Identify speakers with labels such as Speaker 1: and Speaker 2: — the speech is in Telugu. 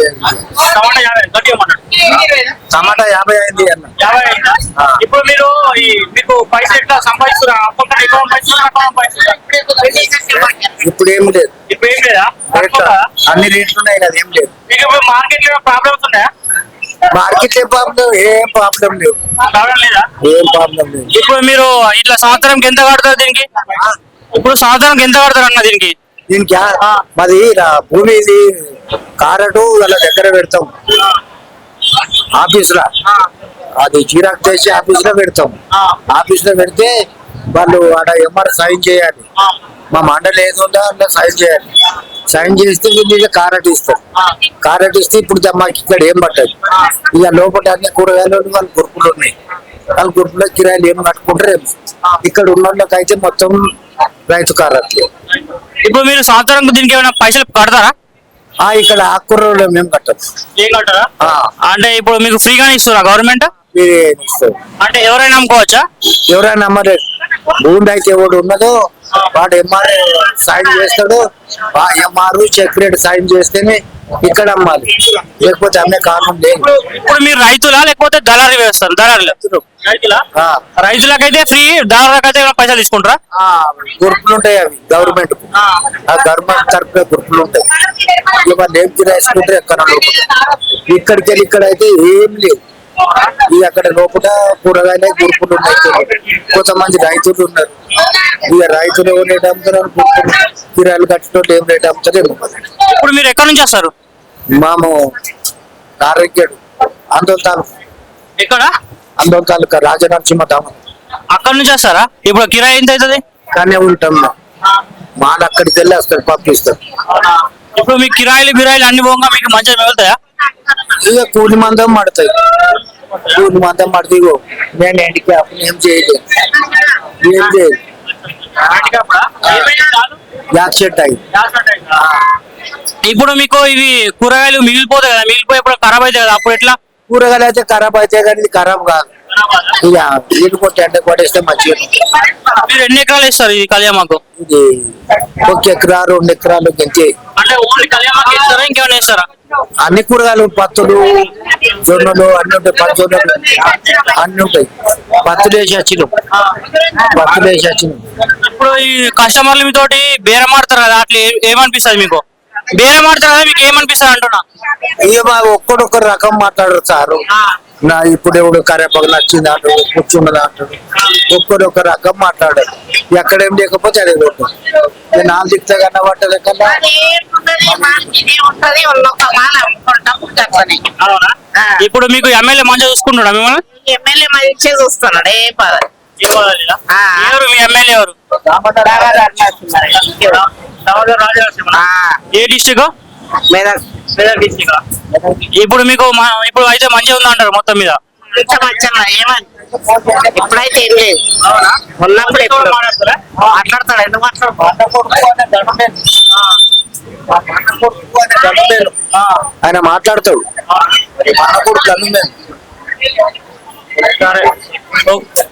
Speaker 1: టమాటా 50 అయింది అన్న.
Speaker 2: ఇప్పుడు మీరు మీకు పైసలు ఎట్లా సంపాదిస్తున్నారు?
Speaker 1: ఇప్పుడు ఏం లేదు,
Speaker 2: ఇప్పుడు ఏం లేదా?
Speaker 1: అన్ని రేట్లు ఉన్నాయి కదా, ఏం లేదు.
Speaker 2: మీకు ఇప్పుడు మార్కెట్ లో ప్రాబ్లమ్స్ ఉన్నాయా?
Speaker 1: మార్కెట్ ఏం ప్రాబ్లం లేవు,
Speaker 2: ప్రాబ్లం లేదా?
Speaker 1: ఏం ప్రాబ్లం లేదు.
Speaker 2: ఇప్పుడు మీరు ఇట్లా సంవత్సరంకి ఎంత కడతారు దీనికి? ఇప్పుడు సంవత్సరానికి ఎంత కడతారు అన్న దీనికి?
Speaker 1: దీనికి మాది భూమి ఇది కారటు వాళ్ళ దగ్గర పెడతాం, ఆఫీస్ లో అది జిరాక్స్ చేసి ఆఫీస్ లో పెడతాం. ఆఫీస్ లో పెడితే వాళ్ళు ఆడ ఎంఆర్ సైన్ చేయాలి. మా మండలి ఏది ఉందో అందులో సైన్ చేయాలి. సైన్ చేస్తే వీళ్ళు కారట్ ఇస్తారు. కారట్ ఇస్తే ఇప్పుడు మాకు ఇక్కడ ఏం పట్టదు. ఇక లోపల అన్ని కూరగాయలు వాళ్ళ గురుపులు ఉన్నాయి. వాళ్ళ గురుపులో కిరాయిలు ఏం కట్టుకుంటారు. ఇక్కడ ఉన్న వాళ్ళకి అయితే మొత్తం రైతు కారట్లు.
Speaker 2: ఇప్పుడు మీరు సంవత్సరం దీనికి ఏమైనా పైసలు కడతారా?
Speaker 1: ఇక్కడ ఆకుకూరలు మేము కట్టదు.
Speaker 2: ఏం కట్టారా? అంటే ఇప్పుడు మీకు ఫ్రీగానే ఇస్తారా గవర్నమెంట్? అంటే ఎవరైనా నమ్ముకోవచ్చా?
Speaker 1: ఎవరైనా నమ్మలేదు. భూమి అయితే ఎవడు ఉన్నదో వాడు ఎంఆర్ సైన్ చేస్తాడు. ఎంఆర్ సెక్రటరీ సైన్ చేస్తేనే ఇక్కడ అమ్మాలి, లేకపోతే అమ్మే కారణం లేదు.
Speaker 2: ఇప్పుడు మీరు రైతులా లేకపోతే దళారీ వేస్తారు? రైతులకైతే ఫ్రీ, దళారులకైతే పైసలు తీసుకుంటారా?
Speaker 1: గ్రూపులు ఉంటాయి, అవి గవర్నమెంట్ గవర్నమెంట్ తరఫున గ్రూపులు ఉంటాయి. వాళ్ళు ఏం తీసుకుంటారు ఎక్కడ ఇక్కడికి వెళ్ళి ఇక్కడ అయితే ఏం లేదు. ఇక అక్కడ లోపల కూరగాయలు గురుపులు ఉన్నాయి. కొంతమంది రైతులు ఉన్నారు. ఇక రైతులు రేట్ అమ్ముతారు, కిరాయిలు కట్టినట్టు ఏం రేట్ అమ్ముతారు.
Speaker 2: ఇప్పుడు మీరు ఎక్కడి నుంచి వస్తారు?
Speaker 1: మాము నారకేడు ఆందోళన తాలూకా.
Speaker 2: ఎక్కడ?
Speaker 1: ఆందోళన తాలూకా రాజనరసింహ ధామం.
Speaker 2: అక్కడ నుంచి వస్తారా? ఇప్పుడు కిరాయి ఎంత అవుతుంది?
Speaker 1: కానీ ఉంటాం మాల్ అక్కడికి వెళ్ళి వస్తారు, పంపిస్తారు.
Speaker 2: ఇప్పుడు మీ కిరాయిలు బిరాయిలు అన్ని పోగా మీకు మంచిగా మిగులుతాయా?
Speaker 1: ఇక కూలి మందం పడతాయి. కూలి మందం పడితే నేను ఎండికి అప్పుడు ఏం చేయలేదు, ఏం చేయలేదు.
Speaker 2: ఇప్పుడు మీకు ఇవి కూరగాయలు మిగిలిపోతాయి కదా, మిగిలిపోయి ఇప్పుడు ఖరాబ్ అవుతాయి కదా, అప్పుడు ఎట్లా?
Speaker 1: కూరగాయలు అయితే ఖరాబ్ అవుతాయి కానీ ఇది ఖరాబ్ కాదు. ఇక నీళ్ళు కొట్టి ఎండ కొట్టేస్తే మంచిగా.
Speaker 2: మీరు ఎన్ని ఎకరాలు వేస్తారు ఇది కళ్యామాకు?
Speaker 1: ఇది 1 ఎకరా 2 ఎకరాలు గంతే.
Speaker 2: అంటే ఓన్లీ కళ్యామాకు వేస్తారా, ఇంకేమైనా వేస్తారా?
Speaker 1: అన్ని కూరగాయలు, పత్తులు, జొన్నలు అన్ని ఉంటాయి. పచ్చొన్నలు అన్ని ఉంటాయి. పత్తులు వేసి వచ్చినాం.
Speaker 2: ఇప్పుడు ఈ కస్టమర్లు మీతోటి బేరం ఆడతారు కదా, అట్లా ఏమనిపిస్తుంది మీకు? బేరం ఆడతారు కదా, మీకు ఏమనిపిస్తుంది అంటున్నా?
Speaker 1: ఇక ఒక్కడొక్కరు రకం మాట్లాడరు సారు. నా ఇప్పుడు ఎవడు కరేపాకు నచ్చింది అంటాడు, కూర్చున్నది అంటాడు. ఒక్కరొక్క రకం మాట్లాడారు. ఎక్కడేం లేకపోతే అదే పెట్టారు. నేను 4 దిక్తా కన్నా పట్టలే కన్నా.
Speaker 2: ఇప్పుడు మీకు ఎమ్మెల్యే మంచిగా చూసుకుంటున్నా మిమ్మల్ని?
Speaker 3: ఎమ్మెల్యే మంచిగా చూస్తున్నాడు.
Speaker 2: మీ ఎమ్మెల్యే ఎవరు? ఏ డిస్ట్రిక్ట్? మెదక్ డిస్ట్రిక్ట్. ఇప్పుడు మీకు ఇప్పుడు అయితే మంచిగా ఉందా అంటారు మొత్తం మీద?
Speaker 3: ఇప్పుడైతే ఏం లేదు. ఉన్నప్పుడు ఎప్పుడు మాట్లాడతాడు. ఎందుకు
Speaker 1: ఆయన మాట్లాడతాడు.